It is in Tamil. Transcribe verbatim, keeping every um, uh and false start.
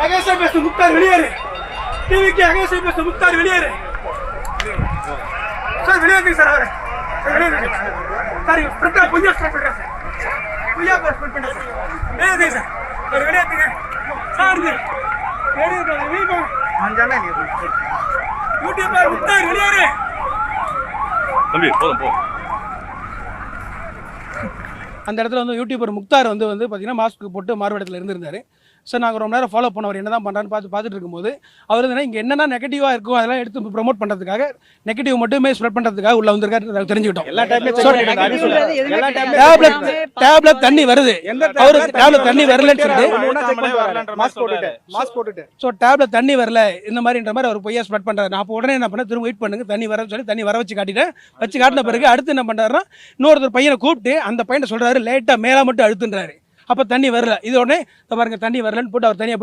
அகேசா பேச முக்தார் வெளியேறு. டிவிக்கு அகேசா பேச முக்தார் வெளியேறு. சார் வெளியேறுங்க சார் அவரு. வெளியேறுங்க சார். பிரச்சனை பொய்யா ஸ்டார்ட் பண்ணுறேன் சார். பொய்யா ஸ்டார்ட் பண்ணுறேன் சார். வெளியேறுங்க சார். சார் வெளியேறுங்க சார். வெளியேறுங்க வெளியே அஞ்சாமே யூடியூபர் முக்தார் வெளியேறு. தம்பி போதும் போ. அந்த இடத்துல வந்து யூடியூபர் முக்தார் வந்து வந்து பார்த்தீங்கன்னா மாஸ்க் போட்டு மாறுவேடத்தில் இருந்திருந்தாரு. சார் நாங்கள் ரொம்ப நேரம் ஃபாலோ பண்ணவர் என்ன தான் பண்ணுறான்னு பார்த்து பார்த்துட்டு இருக்கும்போது அவர் வந்து இங்கே என்னென்ன நெகட்டிவாக இருக்கும் அதெல்லாம் எடுத்து ப்ரொமோட் பண்ணுறதுக்காக நெகட்டிவ் மட்டுமே ஸ்ப்ரெட் பண்ணுறதுக்காக உள்ள வந்திருக்காரு தெரிஞ்சுக்கிட்டோம். எல்லா டேப்லெட் டேப்லெட் தண்ணி வருது, அவருக்கு டேப்லெட் தண்ணி வரலன்னு சொல்லிட்டு மாஸ்க் போட்டுட்டு மாஸ்க் போட்டுட்டு ஸோ டேப்லெட் தண்ணி வரல இந்த மாதிரின்ற மாதிரி அவர் பொய்யா ஸ்ப்ரெட் பண்ணுறாரு. நான் அப்போ உடனே என்ன பண்ணேன், திரும்ப வெயிட் பண்ணுங்க தண்ணி வரன்னு சொல்லி தண்ணி வர வச்சு காட்டிட்டேன். வச்சு காட்டின பிறகு அடுத்து என்ன பண்ணுறாருன்னா இன்னொருத்தர் பையனை கூப்பிட்டு அந்த பையனை சொல்கிறாரு லேட்டாக மேலே மட்டும் அழுத்துன்றாரு. அப்போ தண்ணி வரல. இது உடனே பாருங்க தண்ணி வரலன்னு போட்டு அவர் தனியாக